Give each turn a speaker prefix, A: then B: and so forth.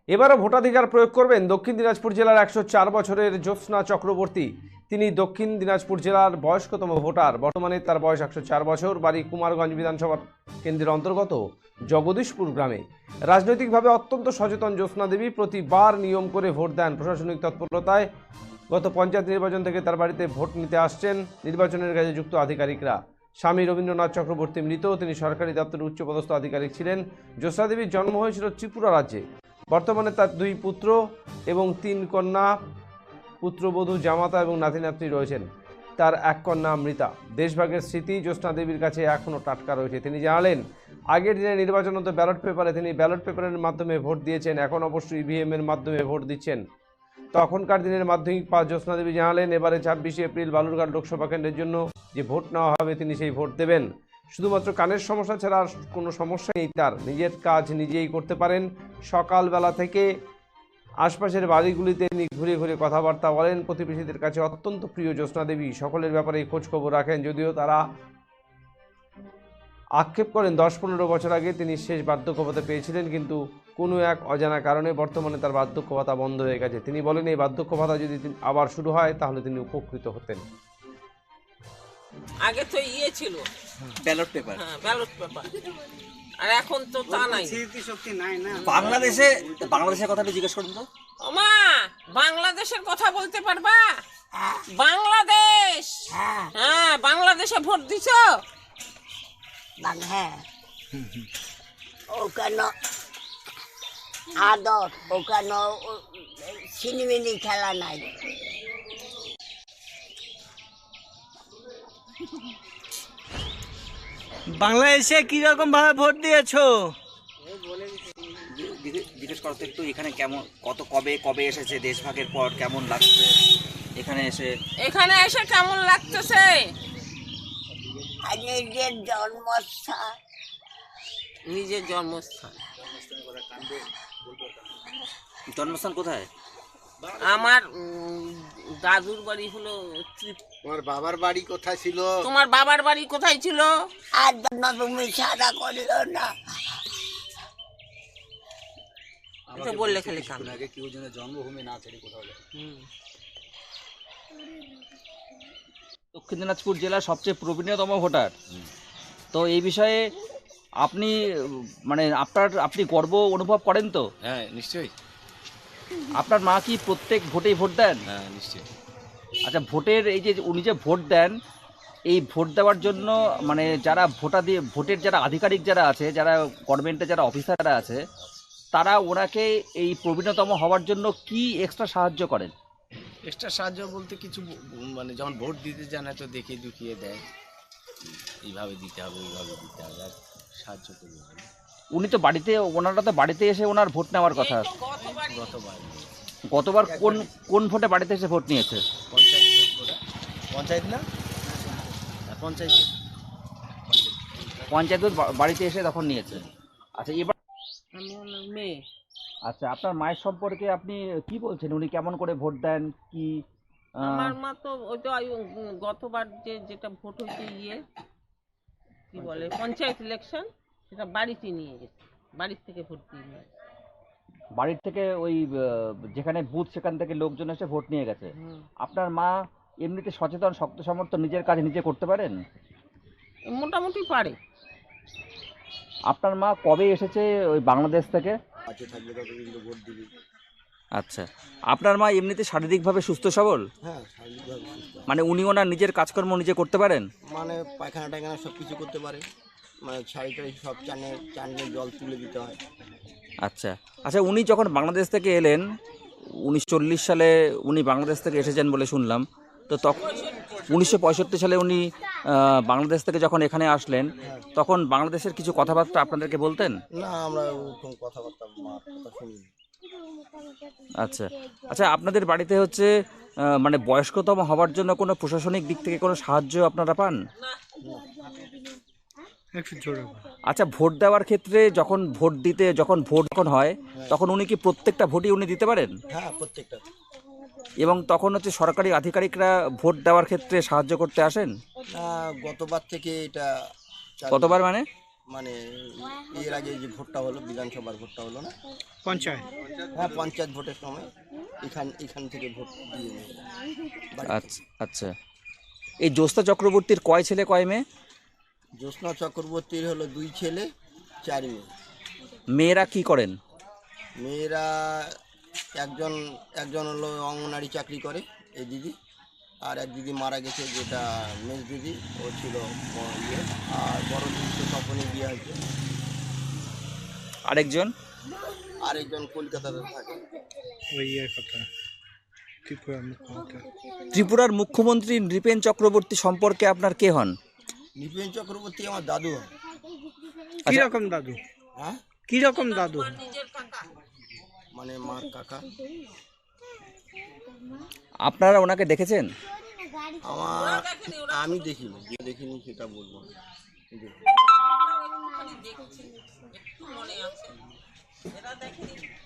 A: এবারও ভোটাধিকার প্রয়োগ করবেন দক্ষিণ দিনাজপুর জেলার 104 বছরের জ্যোৎস্না চক্রবর্তী। তিনি দক্ষিণ দিনাজপুর জেলার বয়স্কতম ভোটার। বর্তমানে তার বয়স 104 বছর। বাড়ি কুমারগঞ্জ বিধানসভা কেন্দ্রের অন্তর্গত জগদীশপুর গ্রামে। রাজনৈতিকভাবে অত্যন্ত সচেতন জ্যোৎস্না দেবী প্রতিবার নিয়ম করে ভোট দেন। প্রশাসনিক তৎপরতায় গত পঞ্চায়েত নির্বাচন থেকে তার বাড়িতে ভোট নিতে আসছেন নির্বাচনের কাজে যুক্ত আধিকারিকরা। স্বামী রবীন্দ্রনাথ চক্রবর্তী মৃত। তিনি সরকারি দপ্তরের উচ্চপদস্থ আধিকারিক ছিলেন। জ্যোৎস্না দেবীর জন্ম হয়েছিল ত্রিপুরা রাজ্যে। বর্তমানে তার 2 পুত্র এবং 3 কন্যা, পুত্রবধূ, জামাতা এবং নাতি নাতনি রয়েছেন। তার 1 কন্যা অমৃতা। দেশভাগের স্মৃতি জ্যোৎস্না দেবীর কাছে এখনও টাটকা রয়েছে। তিনি জানালেন, আগের দিনে নির্বাচন হতো ব্যালট পেপারে, তিনি ব্যালট পেপারের মাধ্যমে ভোট দিয়েছেন। এখন অবশ্যই ইভিএম এর মাধ্যমে ভোট দিচ্ছেন। তখনকার দিনের মাধ্যমিক পাস জ্যোৎস্না দেবী জানালেন, এবারে 26শে এপ্রিল বালুরঘাট লোকসভা কেন্দ্রের জন্য যে ভোট নেওয়া হবে তিনি সেই ভোট দেবেন। শুধুমাত্র কানের সমস্যা ছাড়া আর কোনো সমস্যা নেই তার। নিজের কাজ নিজেই করতে পারেন। সকালবেলা থেকে আশপাশের বাড়িগুলিতে তিনি ঘুরে ঘুরে কথাবার্তা বলেন। প্রতিবেশীদের কাছে অত্যন্ত প্রিয় জ্যোৎস্না দেবী। সকলের ব্যাপারে খোঁজ খবর রাখেন। যদিও তারা আক্ষেপ করেন 10-15 বছর আগে তিনি শেষ বার্ধক্য ভাতা পেয়েছিলেন, কিন্তু কোনো এক অজানা কারণে বর্তমানে তার বার্ধক্য ভাতা বন্ধ হয়ে গেছে। তিনি বলেন, এই বার্ধক্য ভাতা যদি আবার শুরু হয় তাহলে তিনি উপকৃত হতেন।
B: আগে তো ছিল
C: ব্যালট পেপার,
B: হ্যাঁ ব্যালট পেপার, আর এখন তো তা নাই।
D: স্মৃতিশক্তি নাই না।
C: বাংলাদেশের কথাটা জিজ্ঞেস করুন তো।
B: ওমা, বাংলাদেশের কথা বলতে পারবা? বাংলাদেশ, হ্যাঁ বাংলাদেশে ভোট দিছো?
E: হ্যাঁ, ওখানে আদর, ওখানে সিনেমিনি খেলা নাই।
D: বাংলাদেশে কিরকম ভাবে ভোট দিয়েছো?
C: জিজ্ঞেস করতে একটু, এখানে কেমন, কবে এসেছে দেশভাগের পর, কেমন লাগছে এখানে এসে
B: কেমন লাগতেছে?
E: নিজের জন্মস্থান,
B: নিজের জন্মস্থান।
C: জন্মস্থান কোথায়?
B: আমার দাদুর বাড়ি হলো।
F: তোমার বাবার বাড়ি কোথায় ছিল?
B: তোমার বাবার বাড়ি কোথায় ছিল?
E: আর জন্য তুমি সাদা করিও না।
B: এটা বললে খালি কাম।
F: আগে কেউ যেন জন্মভূমি না ছেড়ে কোথাও যায়।
C: দক্ষিণ দিনাজপুর জেলার সবচেয়ে প্রবীণতম ভোটার। তো এই বিষয়ে আপনি আপনি গর্ব অনুভব করেন তো?
F: হ্যাঁ নিশ্চয়ই।
C: আপনার মা কি প্রত্যেক ভোটেই ভোট দেন?
F: হ্যাঁ নিশ্চয়ই।
C: আচ্ছা, ভোটের এই যে উনি যে ভোট দেন, এই ভোট দেওয়ার জন্য যারা ভোটের যারা আধিকারিক যারা আছে, যারা গভর্নমেন্টে যারা অফিসাররা আছে, তারা ওনাকে এই প্রবীণতম হওয়ার জন্য কি এক্সট্রা সাহায্য করেন?
F: এক্সট্রা সাহায্য বলতে কিছু যখন ভোট দিতে জানে তো দেখিয়ে দুখিয়ে দেয়, এইভাবে দিতে হবে ওইভাবে দিতে হবে, আর সাহায্য করবে।
C: উনি তো ওনারা তো বাড়িতে এসে ওনার ভোট নেওয়ার কথা। গতবার কোন ভোটে বাড়িতে এসে ভোট নিয়েছে?
F: পঞ্চায়েত না,
C: পঞ্চায়েত বাড়িতে এসে তখন নিয়েছে। আচ্ছা, এবার
B: মেয়ে।
C: আচ্ছা, আপনার মায়ের সম্পর্কে আপনি কি বলছেন? উনি কেমন করে ভোট দেন? কি
B: আমার মা তো ওই তো গতবার যেটা ভোট হয়েছে কি বলে পঞ্চায়েত ইলেকশন, সেটা বাড়িতে নিয়ে গেছে। বাড়ির থেকে ভোট দিয়ে
C: বাড়ির থেকে ওই যেখানে বুথ সেখান থেকে লোকজন এসে ভোট নিয়ে গেছে। আপনার মা এমনিতে সচেতন, শক্ত সামর্থ্য, নিজের কাজ নিজে করতে পারেন?
B: মোটামুটি পারে।
C: আপনার মা কবে এসেছে ওই বাংলাদেশ থেকে? আচ্ছা, আপনার মা এমনিতে শারীরিকভাবে সুস্থ সবল?
F: হ্যাঁ শারীরিকভাবে সুস্থ।
C: উনি ওনার নিজের কাজকর্ম নিজে করতে পারেন?
F: পায়খানা টায়খানা সব কিছু করতে পারে, শাড়ি টাড়ি সব চানে জল তুলে দিতে হয়।
C: আচ্ছা আচ্ছা, উনি যখন বাংলাদেশ থেকে এলেন 1940 সালে উনি বাংলাদেশ থেকে এসেছেন বলে শুনলাম, তো তখন 1965 সালে উনি বাংলাদেশ থেকে যখন এখানে আসলেন, তখন বাংলাদেশের কিছু কথাবার্তা আপনাদেরকে বলতেন?
F: না, আমরা ওরকম কথাবার্তা কথা শুনি।
C: আচ্ছা আচ্ছা, আপনাদের বাড়িতে হচ্ছে বয়স্কতম হওয়ার জন্য কোনো প্রশাসনিক দিক থেকে কোনো সাহায্য আপনারা পান? আচ্ছা, ভোট দেওয়ার ক্ষেত্রে যখন ভোট হয়, তখন উনি কি প্রত্যেকটা ভোটই উনি দিতে পারেন?
F: হ্যাঁ প্রত্যেকটা।
C: এবং তখন হচ্ছে সরকারি আধিকারিকরা ভোট দেওয়ার ক্ষেত্রে সাহায্য করতে আসেন?
F: গতবার থেকে এটা
C: কতবার
F: এর আগে যে ভোটটা হলো, বিধানসভার ভোটটা হলো না,
G: হ্যাঁ, পঞ্চায়েত ভোটের সময় এখান থেকে ভোট দিয়ে নিয়ে যায়। বাড়ি থেকে।
C: আচ্ছা আচ্ছা, এই জ্যোৎস্না চক্রবর্তীর কয় ছেলে কয় মেয়ে?
G: জ্যোৎস্না চক্রবর্তীর হলো 2 ছেলে 4 মেয়ে।
C: মেয়েরা কি করেন?
G: মেয়েরা একজন হলো অঙ্গনারী চাকরি করে এই দিদি, আর এক দিদি মারা গেছে যেটা মেজ দিদি, ও ছিল ইয়ে, আর বড় দিদি তো তখনই বিয়ে হয়েছে।
C: আরেকজন?
G: আরেকজন কলকাতাতে থাকে।
C: ত্রিপুরার মুখ্যমন্ত্রী নৃপেন চক্রবর্তী সম্পর্কে আপনার কে হন?
G: নৃপেন চক্রবর্তী আমার দাদু হয়।
D: কিরকম দাদু?
G: হ্যাঁ,
D: কিরকম দাদু?
G: মানে মার কাকা।
C: আপনারা ওনাকে দেখেছেন?
G: আমি দেখিনি, যে দেখিনি সেটা বলবো না।
B: দেখছি একটু মনে আছে, এরা দেখেনি।